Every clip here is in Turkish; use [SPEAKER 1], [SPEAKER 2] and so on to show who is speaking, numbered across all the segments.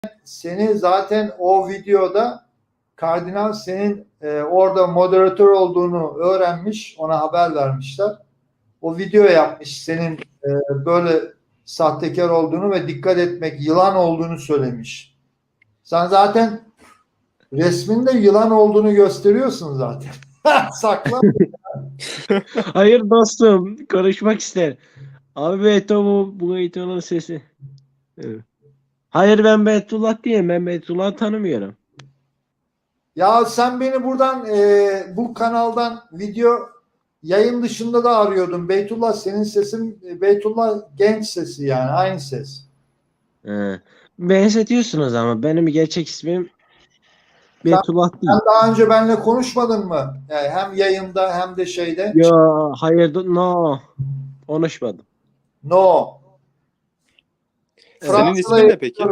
[SPEAKER 1] seni zaten o videoda Kardinal senin orada moderatör olduğunu öğrenmiş, ona haber vermişler. O video yapmış senin böyle sahtekar olduğunu ve dikkat etmek, yılan olduğunu söylemiş. Sen zaten resminde yılan olduğunu gösteriyorsun zaten. Sakla.
[SPEAKER 2] Hayır dostum, konuşmak ister. Abi Beto bu Beyto'nun sesi. Evet. Hayır ben Beytullah değilim. Ben Beytullah'ı tanımıyorum.
[SPEAKER 1] Ya sen beni buradan bu kanaldan video yayın dışında da arıyordun. Beytullah senin sesin Beytullah genç sesi yani aynı ses.
[SPEAKER 2] Benzetiyorsunuz ama benim gerçek ismim Beytullah değil.
[SPEAKER 1] Sen daha önce benimle konuşmadın mı? Yani hem yayında hem de şeyde.
[SPEAKER 2] Yo hayır no konuşmadım.
[SPEAKER 1] No.
[SPEAKER 3] Senin ismin ne peki?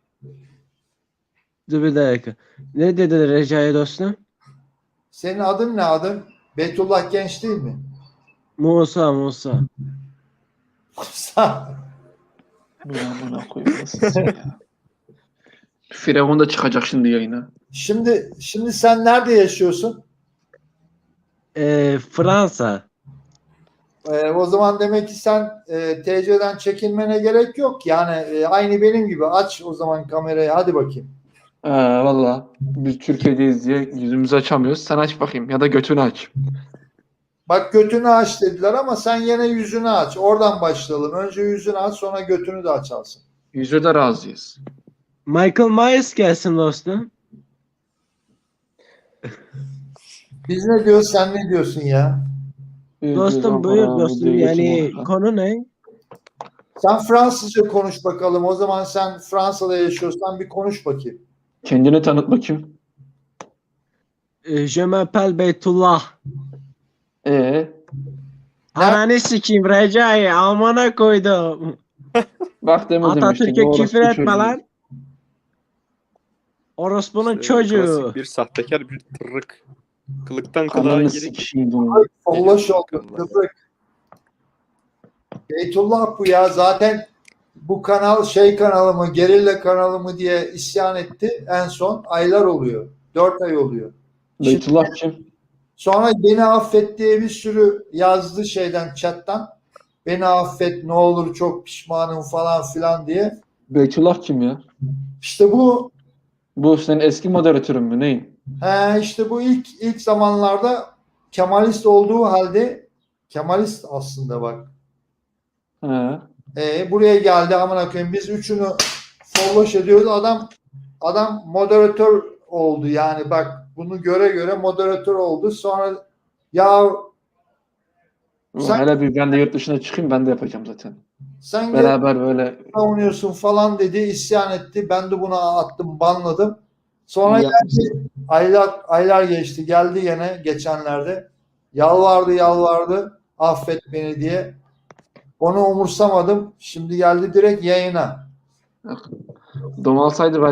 [SPEAKER 2] Dur bir dakika. Ne dedi Recai dostum?
[SPEAKER 1] Senin adın ne adın? Beytullah Genç değil mi?
[SPEAKER 2] Musa.
[SPEAKER 4] Buna koyayım nasılsın ya. Firavun da çıkacak şimdi yayına.
[SPEAKER 1] Şimdi sen nerede yaşıyorsun?
[SPEAKER 2] Fransa.
[SPEAKER 1] O zaman demek ki sen TC'den çekinmene gerek yok. Yani aynı benim gibi. Aç o zaman kamerayı. Hadi bakayım.
[SPEAKER 4] Valla biz Türkiye'deyiz diye yüzümüzü açamıyoruz. Sen aç bakayım ya da götünü aç.
[SPEAKER 1] Bak götünü aç dediler ama sen yine yüzünü aç. Oradan başlayalım. Önce yüzünü aç sonra götünü de açarsın.
[SPEAKER 4] Yüzü de razıyız.
[SPEAKER 2] Michael Myers gelsin dostum.
[SPEAKER 1] Biz ne diyoruz sen ne diyorsun ya?
[SPEAKER 2] Dostum buyur dostum yani konu ne?
[SPEAKER 1] Sen Fransızca konuş bakalım. O zaman sen Fransa'da yaşıyorsan bir konuş bakayım.
[SPEAKER 4] Kendini tanıt bakayım.
[SPEAKER 2] Je m'appelle Beytullah. Ananı sikeyim Recai amına koydum.
[SPEAKER 4] Bak demedim
[SPEAKER 2] Atatürk'e
[SPEAKER 4] işte.
[SPEAKER 2] küfür etme lan. Orospu'nun çocuğu.
[SPEAKER 3] Klasik bir sahtekar bir tırrık. Kılıktan kılığa
[SPEAKER 4] Kanını
[SPEAKER 3] girip
[SPEAKER 4] sikişiydim.
[SPEAKER 1] Allah oldu. Beytullah bu ya. Zaten bu kanal şey kanalı mı, gerilla kanalı mı diye isyan etti. En son aylar oluyor. 4 ay oluyor.
[SPEAKER 4] Beytullah kim?
[SPEAKER 1] Sonra beni affet diye bir sürü yazdı şeyden chat'tan. Beni affet ne olur çok pişmanım falan filan diye.
[SPEAKER 4] Beytullah kim ya?
[SPEAKER 1] İşte bu
[SPEAKER 4] Bu senin eski moderatörün mü neyin?
[SPEAKER 1] işte bu ilk zamanlarda Kemalist olduğu halde Kemalist aslında bak. Buraya geldi amına koyayım. Biz üçünü folloş ediyoruz. Adam moderatör oldu yani bak bunu göre moderatör oldu. Sonra ya
[SPEAKER 4] Hele bir ben de yurt dışına çıkayım ben de yapacağım zaten.
[SPEAKER 1] sen
[SPEAKER 4] Beraber böyle
[SPEAKER 1] savunuyorsun falan dedi, isyan etti. Ben de buna attım, banladım. Sonra geldi, aylar geçti. Geldi yine geçenlerde. Yalvardı, affet beni diye. Onu umursamadım. Şimdi geldi direkt yayına.
[SPEAKER 4] domalsaydı